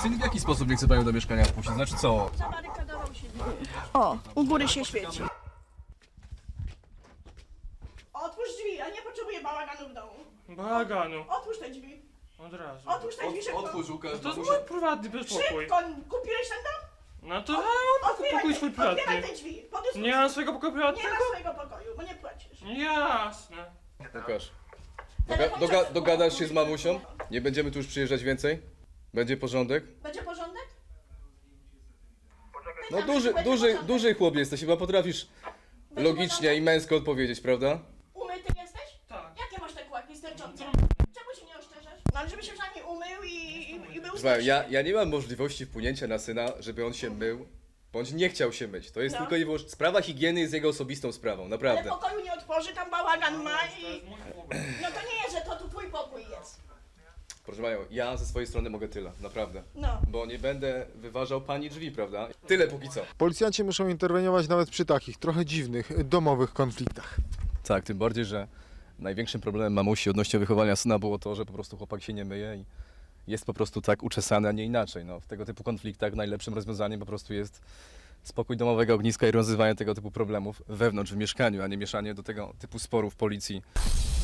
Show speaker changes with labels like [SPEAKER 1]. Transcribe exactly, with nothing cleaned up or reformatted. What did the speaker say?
[SPEAKER 1] syn w jaki sposób nie chce panią do mieszkania wpuścić? Znaczy co?
[SPEAKER 2] Zabarykadował się. O, u góry się świeci. Otwórz drzwi, a nie potrzebuję bałaganu w domu.
[SPEAKER 3] Bałaganu.
[SPEAKER 2] Otwórz te drzwi.
[SPEAKER 3] Od razu.
[SPEAKER 2] Otwórz te drzwi szybko.
[SPEAKER 1] Otwórz, Łukasz,
[SPEAKER 3] To jest
[SPEAKER 1] mamusia.
[SPEAKER 3] mój prywatny spokój.
[SPEAKER 2] Szybko, kupiłeś ten dom?
[SPEAKER 3] No to ja mam
[SPEAKER 2] Otwieraj
[SPEAKER 3] pokój
[SPEAKER 2] te-
[SPEAKER 3] swój
[SPEAKER 2] Otwieraj
[SPEAKER 3] prywatny.
[SPEAKER 2] te drzwi. Po dyskusji.
[SPEAKER 3] Nie mam swojego pokoju
[SPEAKER 2] Nie
[SPEAKER 3] prywatnego?
[SPEAKER 2] ma swojego pokoju, bo nie płacisz.
[SPEAKER 3] Jasne.
[SPEAKER 1] Łukasz, doga doga dogadasz się z mamusią? Nie będziemy tu już przyjeżdżać więcej? Będzie porządek?
[SPEAKER 2] Będzie porządek?
[SPEAKER 1] No
[SPEAKER 2] Pytam,
[SPEAKER 1] duży,
[SPEAKER 2] czy będzie
[SPEAKER 1] duży,
[SPEAKER 2] porządek?
[SPEAKER 1] duży chłop jesteś, chyba potrafisz
[SPEAKER 2] Będzie
[SPEAKER 1] logicznie
[SPEAKER 2] porządek?
[SPEAKER 1] i męsko odpowiedzieć, prawda?
[SPEAKER 2] Umyty jesteś?
[SPEAKER 3] Tak.
[SPEAKER 2] Jakie masz te kłaki sterczące?
[SPEAKER 3] Co?
[SPEAKER 2] Czemu się nie oszczerzasz? No ale żeby się przynajmniej umył i, i, i był
[SPEAKER 1] Słuchaj, ja,
[SPEAKER 2] zmyślny.
[SPEAKER 1] ja nie mam możliwości wpłynięcia na syna, żeby on się mył, bądź nie chciał się myć. To jest
[SPEAKER 2] No.
[SPEAKER 1] tylko i wyłącznie... Sprawa higieny jest jego osobistą sprawą,
[SPEAKER 2] Ale
[SPEAKER 1] naprawdę.
[SPEAKER 2] pokoju nie otworzy, tam bałagan ma
[SPEAKER 3] To
[SPEAKER 2] i...
[SPEAKER 3] jest mój pokój.
[SPEAKER 2] No to nie jest, że to tu twój pokój jest.
[SPEAKER 1] Proszę panią, ja ze swojej strony mogę tyle, naprawdę.
[SPEAKER 2] No.
[SPEAKER 1] Bo nie będę wyważał pani drzwi, prawda? Tyle póki co.
[SPEAKER 4] Policjanci muszą interweniować nawet przy takich trochę dziwnych, domowych konfliktach.
[SPEAKER 1] Tak, tym bardziej, że największym problemem mamusi odnośnie wychowania syna było to, że po prostu chłopak się nie myje i jest po prostu tak uczesany, a nie inaczej. No, w tego typu konfliktach najlepszym rozwiązaniem po prostu jest spokój domowego ogniska i rozwiązywanie tego typu problemów wewnątrz w mieszkaniu, a nie mieszanie do tego typu sporów policji.